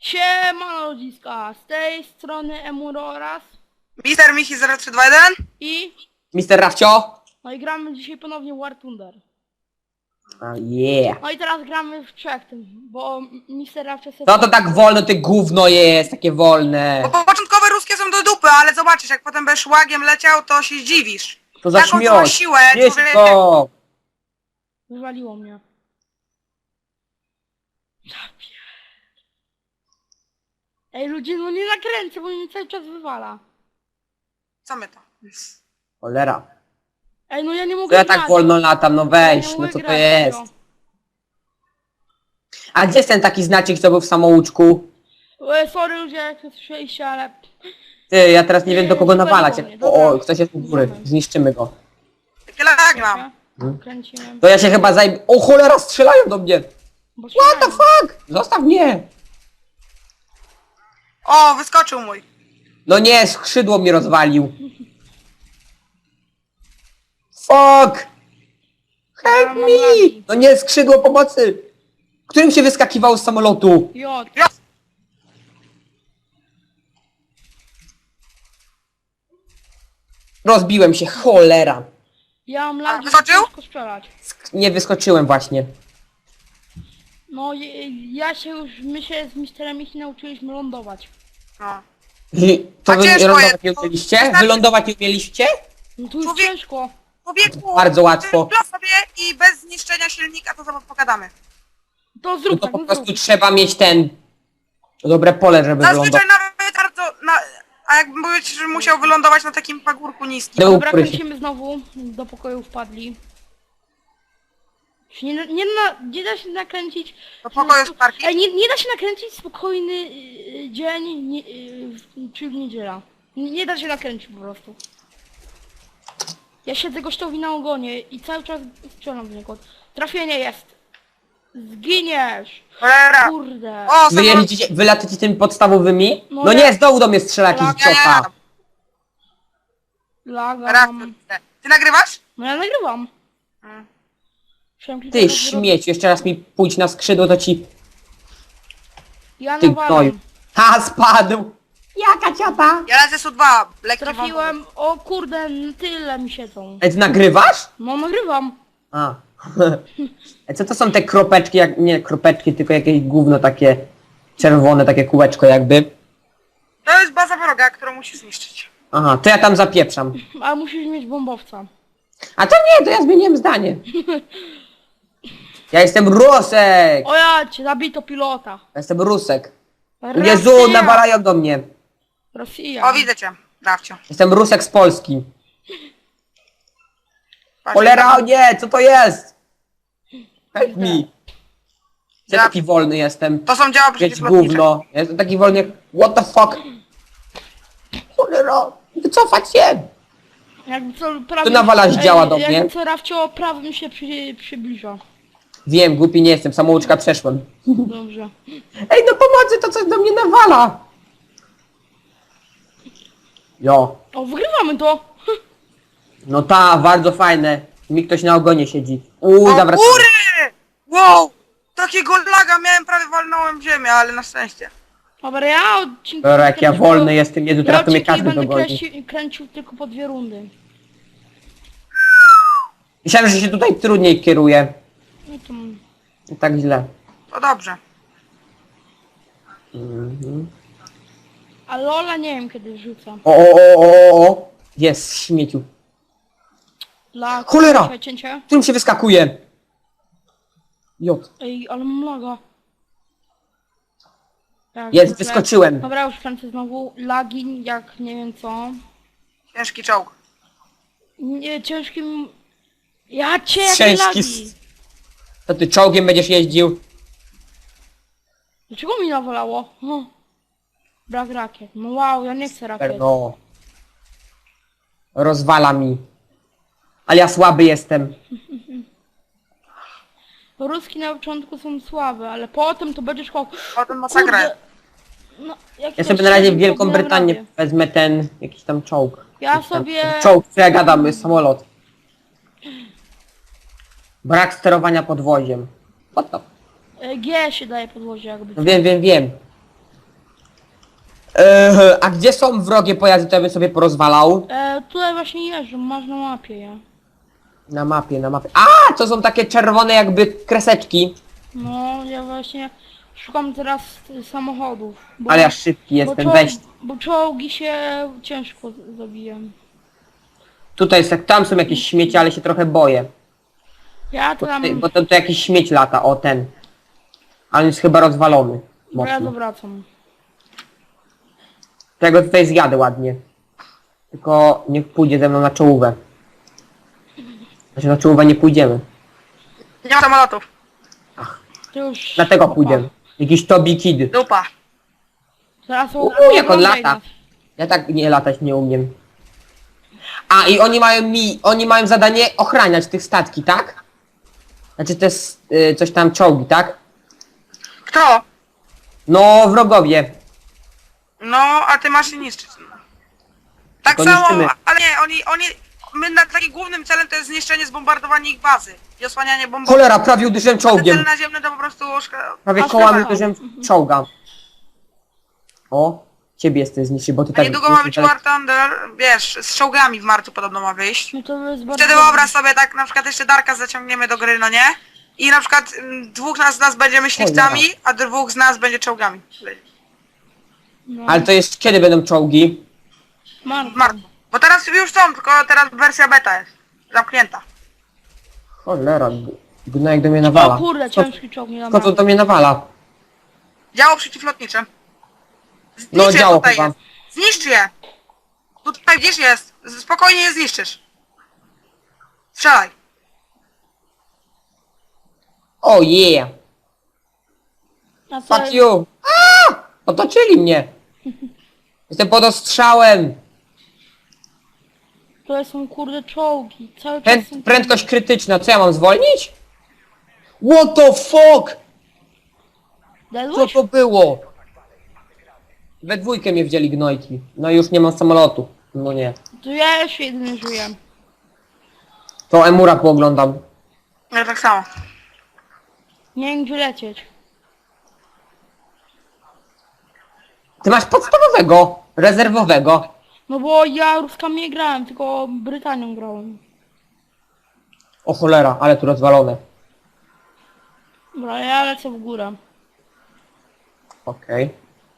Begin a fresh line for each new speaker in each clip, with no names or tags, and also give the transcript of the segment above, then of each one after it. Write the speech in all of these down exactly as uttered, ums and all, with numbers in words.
Siema ludziska, z tej strony Emuro oraz
Mister Michi zero trzy dwa jeden
i...
Mister Rafcio?
No i gramy dzisiaj ponownie War Thunder.
A yeah.
No i teraz gramy w trzech tym, bo mister Rafcio sobie...
No to tak wolno, ty gówno jest, takie wolne.
Bo początkowe ruskie są do dupy, ale zobaczysz, jak potem będziesz łagiem leciał, to się zdziwisz.
To za
Taką całą
śmioć.
siłę,
Jeźdź
człowiek-
go.
Wywaliło mnie. Ej ludzie, no nie nakręcę, bo mnie cały czas wywala.
Co my to?
Cholera.
Ej, no ja nie
To
mogę
ja
grać.
tak wolno latam, no
Ja
weź,
nie
no
mogę
co to
grać,
jest?
no.
A gdzie jest ten taki znacik, co był w samouczku?
E, sorry ludzie, jak to słyszeliście, ale...
Ty, ja teraz nie wiem do kogo
Nie,
nawalać.
zupełnie,
O,
dobra.
o, ktoś jest u góry, zniszczymy go.
Takie lag mam.
Hmm?
Kręciłem.
To ja się chyba zajmę... O cholera, strzelają do mnie!
Bo
What the
śmiałem.
fuck? Zostaw mnie!
O, wyskoczył mój.
No nie, skrzydło mi rozwalił. Fuck! Help
Ja mam
me!
lagi.
No nie, skrzydło pomocy! Którym się wyskakiwało z samolotu?
Jod.
Ja...
Rozbiłem się, cholera.
Ja mam lagi,
wyskoczył?
ciężko strzelać.
Sk- Nie wyskoczyłem właśnie.
No i- ja się już, my się z misterem Michi nauczyliśmy lądować.
No.
To
A
wy
ciężko
lądować
jest,
nie
to-
umieliście?
wystarczy-
Wylądować nie umieliście?
No to już
Człowiek-
ciężko.
Człowieku,
Bardzo łatwo.
dla sobie i bez zniszczenia silnika, to zaraz pogadamy.
To
No
zrób
to
tak,
po
no
prostu
zrób.
trzeba mieć ten... Dobre pole, żeby wylądować.
Zazwyczaj nawet bardzo... Na... A jakbym mówić, że musiał wylądować na takim pagórku niskim.
No,
Dobra,
który się-
kręcimy znowu. Do pokoju wpadli. Się Nie, nie, na, nie da się nakręcić...
Do pokoju z parki.
Ej, nie, nie da się nakręcić spokojny y, dzień, nie, y, w- czy w niedziela. Nie, nie da się nakręcić po prostu. Ja siedzę gościowi na ogonie i cały czas strzelam w niego. Trafienie jest. Zginiesz.
Cholera.
Kurde.
O,
Wy
samolot.
jeździcie, wy latacie tymi podstawowymi?
No
No
ja-
nie, z dołu do mnie strzela jakiś
Tak,
Ja nie
ciota.
jadę.
Lagam.
Raz, Ty nagrywasz?
No ja nagrywam.
Mm.
Musiałem kilka
Ty
razy zrobić.
śmieć, jeszcze raz mi pójdź na skrzydło, to ci...
Ja
Ty
nawalam.
gnoju. Ha, spadł! Jaka ciota?
Ja lecę S U dwa. Lekki
Trafiłem. O kurde, n- tyle mi siedzą.
Ej, ty nagrywasz?
No nagrywam.
A. Ej, co to są te kropeczki, jak... nie kropeczki, tylko jakieś gówno takie... czerwone, takie kółeczko jakby.
To jest baza wroga, którą musisz zniszczyć.
Aha, to ja tam zapieprzam.
Ale musisz mieć bombowca.
A to nie, to ja zmieniłem zdanie. Ja jestem Rusek!
O ja cię, zabito pilota.
Ja jestem Rusek.
Rosja.
Jezu, nawalają do mnie.
Rosja.
O, widzę cię, Dawcio.
Jestem Rusek z Polski.
Patrz,
Cholera, o
tam-
nie, co to jest? Help me. Ja
Ja-
taki wolny jestem.
To są działa
Wiesz,
przeciwlotnicze.
gówno. Ja jestem taki wolny jak... What the fuck? Cholera, wycofać się.
Jakby co prawym...
Tu nawalasz
Ej,
działa do
jakby
mnie.
co Rafcio prawym się przy, przybliża.
Wiem, głupi nie jestem, samouczka przeszłem.
Dobrze.
Ej, no pomocy, to coś do mnie nawala. Jo.
O, wygrywamy to.
No ta, bardzo fajne. Mi ktoś na ogonie siedzi. Uuu,
O,
zawracamy.
góry! Wow! Takiego laga miałem, prawie walnąłem w ziemię, ale na szczęście.
Dobra, ja odcinki...
Dobra, jak ja
kręcił-
wolny jestem, Jezu,
Ja
teraz to mnie
odcinki
każdy
będę
dogoni.
kręcił, kręcił tylko po dwie rundy.
Myślałem, że się tutaj trudniej kieruje.
No to...
Nie tak źle.
To dobrze.
Mhm.
A Lola nie wiem kiedy rzucam.
O, o, o, o, o. Jest, śmieciu.
Dla...
Cholera!
Cięcie.
Którym się wyskakuje? Jot.
Ej, ale mam laga. Tak,
Jest,
zwykle.
wyskoczyłem.
Dobra, już kręcę znowu. Lagi, jak nie wiem co.
Ciężki czołg.
Nie, ciężkim... Ja cię, jakie
Ciężki
lagi!
s- To ty czołgiem będziesz jeździł?
Dlaczego mi nawalało? Hm. Brak rakiet. No wow, ja nie chcę rakiet.
No. Rozwala mi. Ale ja słaby jestem.
Ruski na początku są słabe, ale potem to będziesz chłop.
Potem masakra.
No, jak
Ja
to
sobie na razie w
się
Wielką
robi,
Brytanię
naprawdę.
wezmę ten, jakiś tam czołg.
Ja
Jakiś tam-
sobie-
Czołg, co ja gadam, jest samolot. Brak sterowania podwoziem. What the...
E, G się daje podłozie jakby.
No wiem, wiem, wiem. Eee, a gdzie są wrogie pojazdy, to ja bym sobie porozwalał?
E, tutaj właśnie jeżdżą, masz na mapie je.
Na mapie, na mapie. A, to są takie czerwone jakby kreseczki.
No, ja właśnie szukam teraz y, samochodów. Bo,
Ale ja szybki
bo,
jestem,
czoł-
weź.
bo czołgi się ciężko z- zabiję.
Tutaj jest, tam są jakieś śmieci, ale się trochę boję.
Ja
Bo,
tam...
tutaj, bo to, to jakiś śmieć lata, o ten. Ale on jest chyba rozwalony.
Bo ja
Mocno.
zawracam.
Tego tutaj zjadę ładnie. Tylko niech pójdzie ze mną na czołówę. Znaczy na czołówę nie pójdziemy.
Nie ma samolotów.
To już...
Dlatego
opa.
pójdziemy. Jakiś Toby Kid.
Dupa.
Zaraz
Uuu,
oglądaj
jak on lata.
nas.
Ja tak nie latać nie umiem. A i oni mają mi, oni mają zadanie ochraniać tych statki, tak? Znaczy to jest y, coś tam czołgi, tak?
Kto?
No wrogowie.
No, a ty masz się niszczyć. Tak
Tylko
samo,
niszczymy.
ale nie, oni, oni... My na takim głównym celem to jest zniszczenie, zbombardowanie ich bazy. I osłanianie bombą.
Cholera, prawie uderzyłem
Te cele
czołgiem.
naziemne to po prostu... szka-
Prawie
Aż
kołami
chyba.
uderzyłem czołga. O, ciebie jesteś zniszczy, bo ty
A
tak...
niedługo ma być War Thunder, wiesz, z czołgami w marcu podobno ma wyjść.
No to jest bardzo...
Wtedy wyobraź sobie tak, na przykład jeszcze Darka zaciągniemy do gry, no nie? I na przykład mm, dwóch nas, z nas będzie myśliwcami, a dwóch z nas będzie czołgami.
No.
Ale to jest kiedy będą czołgi?
Marko.
W marcu. Bo teraz już są, tylko teraz wersja beta jest. Zamknięta.
Cholera, g- gnojek do mnie
O
nawala.
kurde,
Co,
ciężki czołg, nie dam
co to
rady.
do mnie nawala?
Działo przeciwlotnicze. Zniszcz
No,
je
działo
tutaj
chyba.
jest. Zniszcz je! Tutaj gdzieś jest. Spokojnie je zniszczysz. Strzelaj.
O yeah!
A co-
Fuck you! Aaa! Otoczyli mnie! Jestem pod ostrzałem!
To są kurde czołgi. Cały czas
Pręd,
są...
prędkość krytyczna, co ja mam zwolnić? What the fuck? Co
Dedłeś?
to było? We dwójkę mnie wzięli gnojki. No i już nie mam samolotu. No nie.
To ja jeszcze jedyny żyję.
To Emura pooglądam.
Ja tak samo.
Nie wiem gdzie lecieć.
Ty masz podstawowego, rezerwowego.
No bo ja Ruskami nie grałem, tylko Brytanią grałem.
O cholera, ale tu rozwalone.
Dobra, ja lecę w górę.
Okej.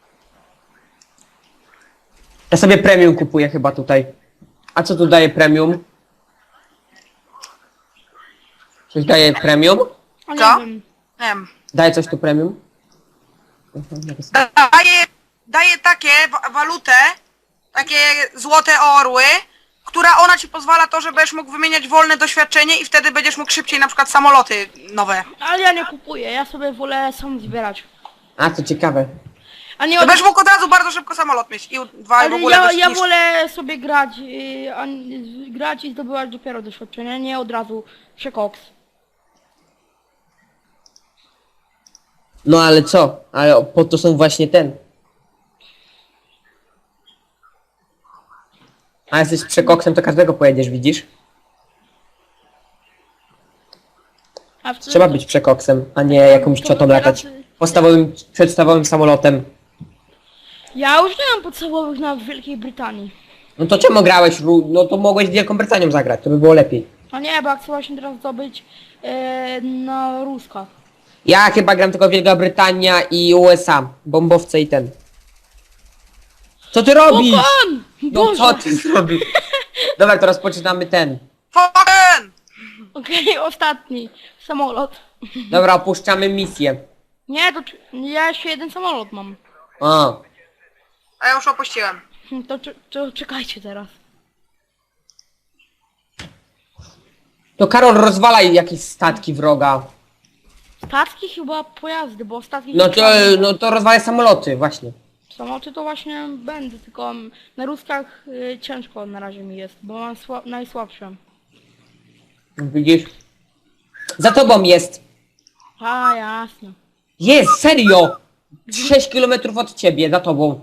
Ja sobie premium kupuję chyba tutaj. A co tu daje premium? Coś daje premium?
A nie
Co?
wiem.
Nie wiem.
Daje coś tu premium?
Daje, daje takie wa- walutę, takie złote orły, która ona ci pozwala to, że będziesz mógł wymieniać wolne doświadczenie i wtedy będziesz mógł szybciej na przykład samoloty nowe.
Ale ja nie kupuję, ja sobie wolę sam zbierać.
A, co ciekawe.
A nie
To
od...
będziesz mógł od razu bardzo szybko samolot mieć i u- dwa i w
Ale
ogóle
ja,
dość
ja
niż-
wolę sobie grać, yy, a, nie- grać i zdobywać dopiero doświadczenie, nie od razu przekoks.
No ale co? Ale po to są właśnie ten. A jesteś przekoksem, to każdego pojedziesz, widzisz?
A wtedy
Trzeba
to-
być przekoksem, a nie jakąś
to
ciotą
teraz-
latać. Podstawowym, przedstawowym samolotem.
Ja już nie mam podstawowych na Wielkiej Brytanii.
No to czemu grałeś? Ru- No to mogłeś z Wielką Brytanią zagrać, to by było lepiej.
A nie, bo ja chcę właśnie teraz zdobyć yy, na Ruskach.
Ja chyba gram tylko Wielka Brytania i U S A. Bombowce i ten. Co ty robisz?
Pan!
No
Boże!
co ty zrobisz? Dobra, to rozpoczynamy ten.
Fucking!
Okej, ostatni samolot.
Dobra, opuszczamy misję.
Nie, to czy- ja jeszcze jeden samolot mam.
A,
A ja już opuściłem.
Hm, To, czy- to czekajcie teraz.
to Karol rozwalaj jakieś statki wroga.
Statki chyba pojazdy, bo statki...
No to, no to rozwalaj samoloty, właśnie.
Samoloty to właśnie będę, tylko na Ruskach y, ciężko na razie mi jest, bo mam sła- najsłabsze.
Widzisz? Za tobą jest.
A, jasne.
Jest, serio! sześć kilometrów od ciebie, za tobą.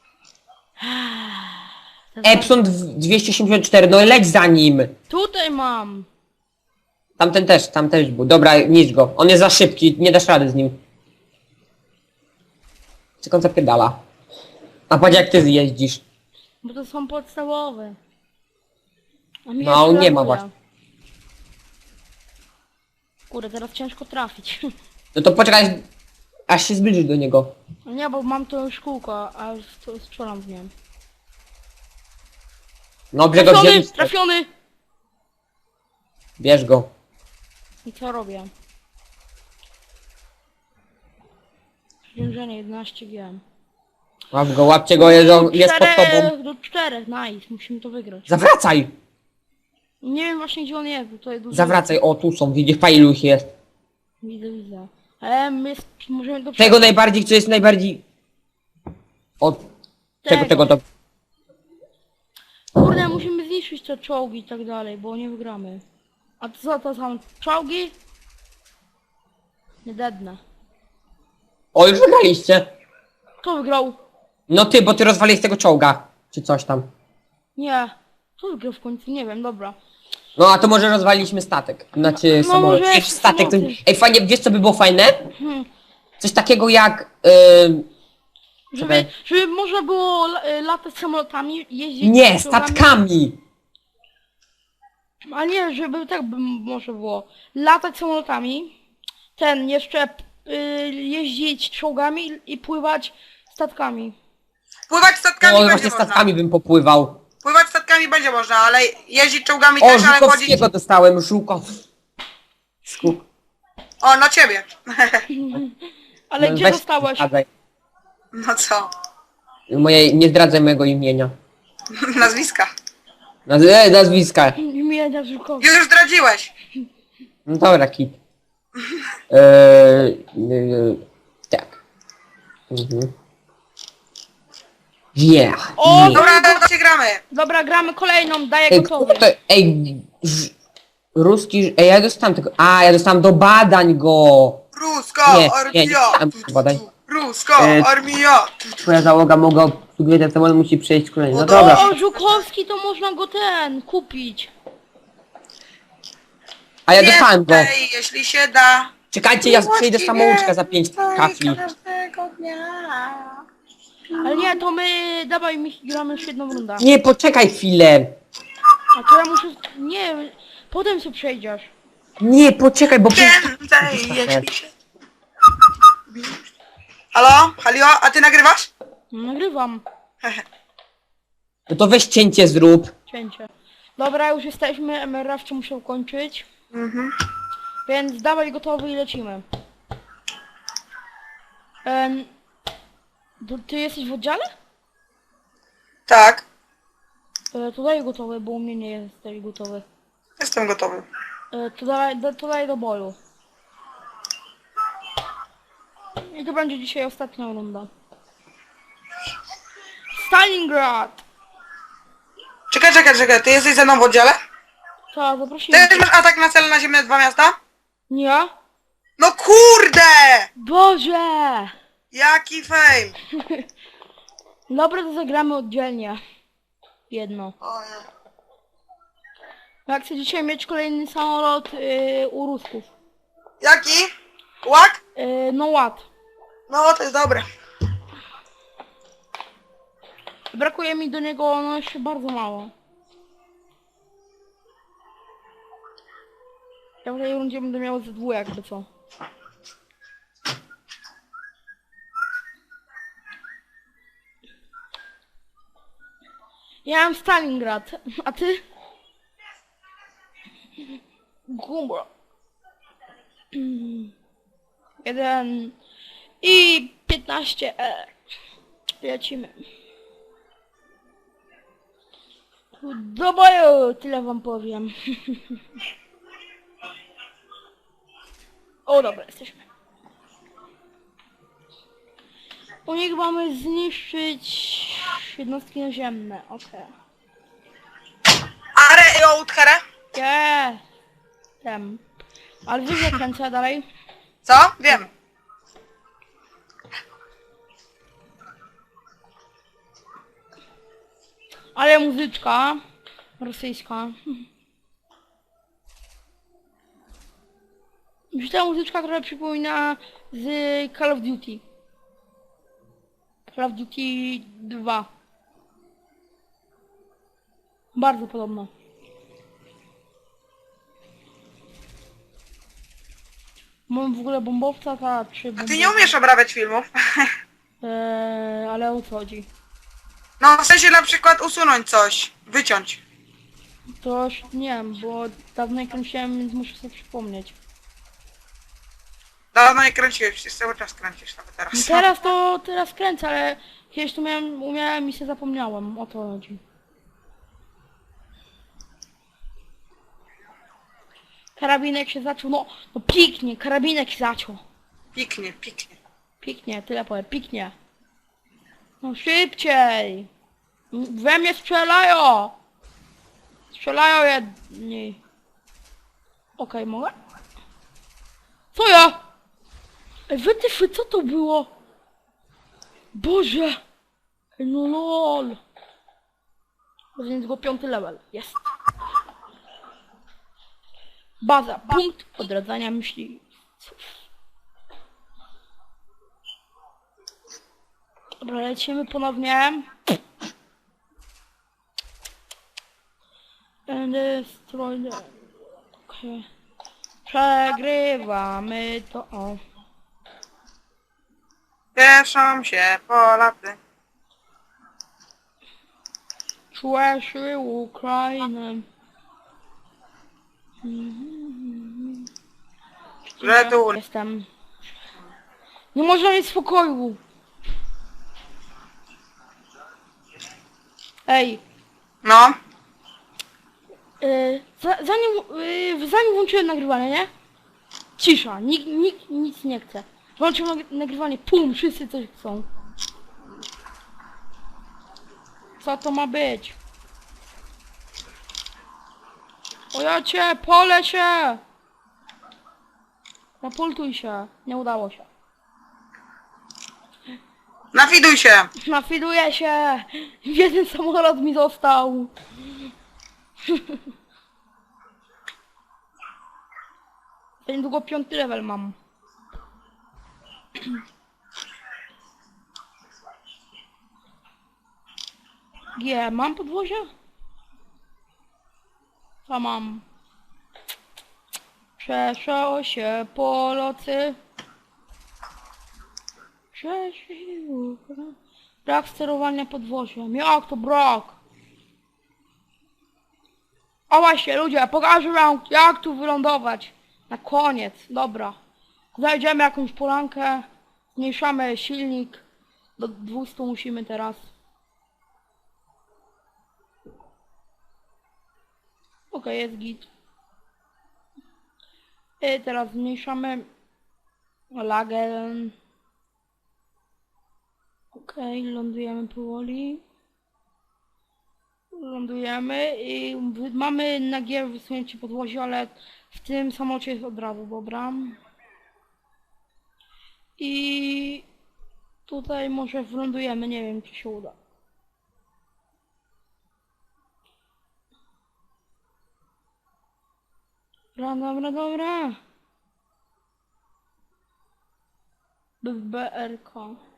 Epson dwieście osiemdziesiąt cztery, no leć za nim.
Tutaj mam.
Tamten też, tam też był. Dobra, niszcz go. On jest za szybki, nie dasz rady z nim. Czekam zapierdala. A patrz jak ty jeździsz.
Bo to są podstawowe. A mi
No,
jeszcze
nie ma
laguje.
właśnie.
Kurde, teraz ciężko trafić.
No to poczekaj, aż się zbliżysz do niego.
No nie, bo mam to już kółko, a st- strzelam w nim.
Dobrze go
Trafiony!
wzięliście.
Trafiony!
Bierz go.
I co robię? Przeciążenie jedenaście wiem.
Łap go, łapcie go, jest, on- jest pod tobą.
Do czterech, nice, musimy to wygrać.
Zawracaj!
Nie wiem właśnie gdzie on jest, bo to jest dużo.
Zawracaj, o tu są, widzisz, pa ilu ich jest.
Widzę, widzę. Ale my jest, możemy do
Tego najbardziej, co jest najbardziej... Od czego tego to...
Kurde, musimy zniszczyć te czołgi i tak dalej, bo nie wygramy. A to co to są czołgi? Nie dedne.
O, już wygraliście.
Kto wygrał?
No ty, bo ty rozwaliłeś tego czołga. Czy coś tam.
Nie. Kto wygrał w końcu? Nie wiem, dobra.
No a to może rozwaliliśmy statek. Znaczy
No,
samolot.
może
Wiesz, statek to...
samoloty.
Ej, fajnie, wiesz co by było fajne?
Hmm.
Coś takiego jak... Yy...
Żeby,
Czekaj.
żeby można było la- y, latać samolotami, jeździć...
Nie,
czołgami.
statkami!
A nie, żeby tak by może było. Latać samolotami, ten jeszcze y, jeździć czołgami i, i pływać statkami.
Pływać statkami
O,
będzie
właśnie
można.
statkami bym popływał.
Pływać statkami będzie można, ale jeździć czołgami
O,
też, ale chodzić...
Żukowskiego dostałem, Żukow. Skuk.
O, no ciebie.
Ale
No
gdzie
weź,
dostałeś?
zdradzaj.
No co?
Moje, nie zdradzaj mojego imienia.
Nazwiska.
Naz e, nazwiska.
Imienia Żukowi.
Już zdradziłeś.
No dobra, kit. Eee, yy, tak. Mhm. Yeah.
O,
yeah.
Dobra, to się gramy.
Dobra, gramy kolejną, daję
Ej,
gotowy.
kto to, ej, ż, ruski, ej, ja dostałem tego, a, ja dostałem do badań go.
Ruska
Nie, nie, nie
armia.
dostałem badań.
Ruska
E,
armia.
Twoja załoga mogła obsługiwać ten samolot, musi przejść szkolenie. No
O,
dobra.
O, Żukowski to można go ten, kupić.
A ja dostałem go.
Więcej, jeśli się da.
Czekajcie, ja przejdę samouczka za pięć kafli.
Każdego dnia.
Ale nie, to my, dawaj mi gramy już jedną rundę.
Nie, poczekaj chwilę.
A to ja muszę, nie, potem się przejdziesz.
Nie, poczekaj, bo...
Więcej, jeśli się... Halo? Halio? A ty nagrywasz?
Nagrywam
No to weź cięcie zrób.
cięcie. Dobra, już jesteśmy, M R F muszę kończyć.
Mhm.
Więc dawaj gotowy i lecimy. Em, to ty jesteś w oddziale?
Tak.
E, to daj gotowy, bo u mnie nie jesteś gotowy.
Jestem gotowy.
E, to, daj, da, to daj do boju. I to będzie dzisiaj ostatnia runda. Stalingrad!
Czekaj, czekaj, czekaj. Ty jesteś ze mną w oddziale?
Tak,
Ty
zaprosimy.
też masz atak na cel na ziemne dwa miasta?
Nie?
No kurde!
Boże!
Jaki fame!
Dobra, to zagramy oddzielnie. Jedno.
O nie.
Jak chcę dzisiaj mieć kolejny samolot yy, u Rusków.
Jaki? Łak?
Yy, no ład.
No to jest dobre.
Brakuje mi do niego no jeszcze bardzo mało. Ja w tej rundzie będę miał ze dwu jakby co. Ja mam Stalingrad, a ty? Gumbo. Jeden i piętnaście E. Lecimy. Do boju, tyle wam powiem. O dobra, jesteśmy. U nich mamy zniszczyć jednostki naziemne, okej.
Are i Outhere?
Nie. Tem. Ale wiesz jak kręcę dalej?
Co? Wiem.
Ale muzyczka rosyjska. Już ta muzyczka, która przypomina z Call of Duty. Call of Duty dwa. Bardzo podobno. Mam w ogóle bombowca, ta czy
A
bombowca?
ty nie umiesz obrabiać filmów?
Eee, ale o co chodzi?
No w sensie na przykład usunąć coś, wyciąć.
To już nie wiem, bo dawno nie kręciłem, więc muszę sobie przypomnieć.
Dawno nie kręciłeś, przecież cały czas kręcisz nawet
No
teraz.
teraz to, teraz kręcę, ale kiedyś to miałem, umiałem i się zapomniałem, o to chodzi. Karabinek się zaczął, no, no piknie, karabinek się zaczął.
Piknie, piknie.
Piknie, tyle powiem, piknie. No szybciej! We mnie strzelają! Strzelają jedni. Okej, mogę? Co ja? Ej, wytyfy, co to było? Boże! Ej, no lol! Więc go piąty level, jest. Baza, punkt odradzania myśli. Dobra, lecimy ponownie. And destroy the... Okay. Przegrywamy to, o.
Cieszą się Polacy.
Czułeś Ukrainę. Mhm.
Że tu...
Jestem. Nie można mieć spokoju. Ej,
No.
yy, za, zanim, yy, zanim włączyłem nagrywanie, nie? Cisza, nikt, nikt nic nie chce. Włączyłem nag- nagrywanie, pum, wszyscy coś chcą. Co to ma być? O ja cię, pole się! Napultuj się, nie udało się.
Nafiduj się.
Nafiduję się! Jeden samolot mi został! Za niedługo piąty level mam. G, mam podwozie? Co mam? Przeszło się po locy. Przeszło. Brak sterowania podwoziem. Jak to brak? O właśnie ludzie, pokażę wam jak tu wylądować. Na koniec, dobra. Znajdziemy jakąś polankę. Zmniejszamy silnik. Do dwustu musimy teraz. Okej, jest git. I teraz zmniejszamy lagę. Okej, lądujemy powoli. Lądujemy i wy- mamy na G wysunięcie podwozie, ale w tym samolocie jest od razu, dobra. I tutaj może wlądujemy, nie wiem czy się uda. Dobra, dobra, dobra. B R K.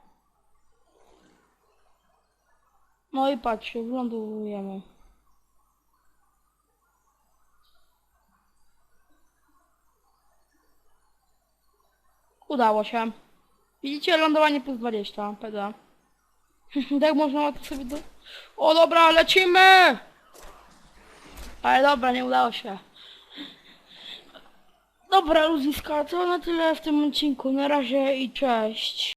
No i patrzcie, wlądujemy. Udało się. Widzicie, lądowanie plus dwadzieścia, peda. Tak można łatwo sobie do... O dobra, lecimy! Ale dobra, nie udało się. Dobra, ludziska, to na tyle w tym odcinku. Na razie i cześć.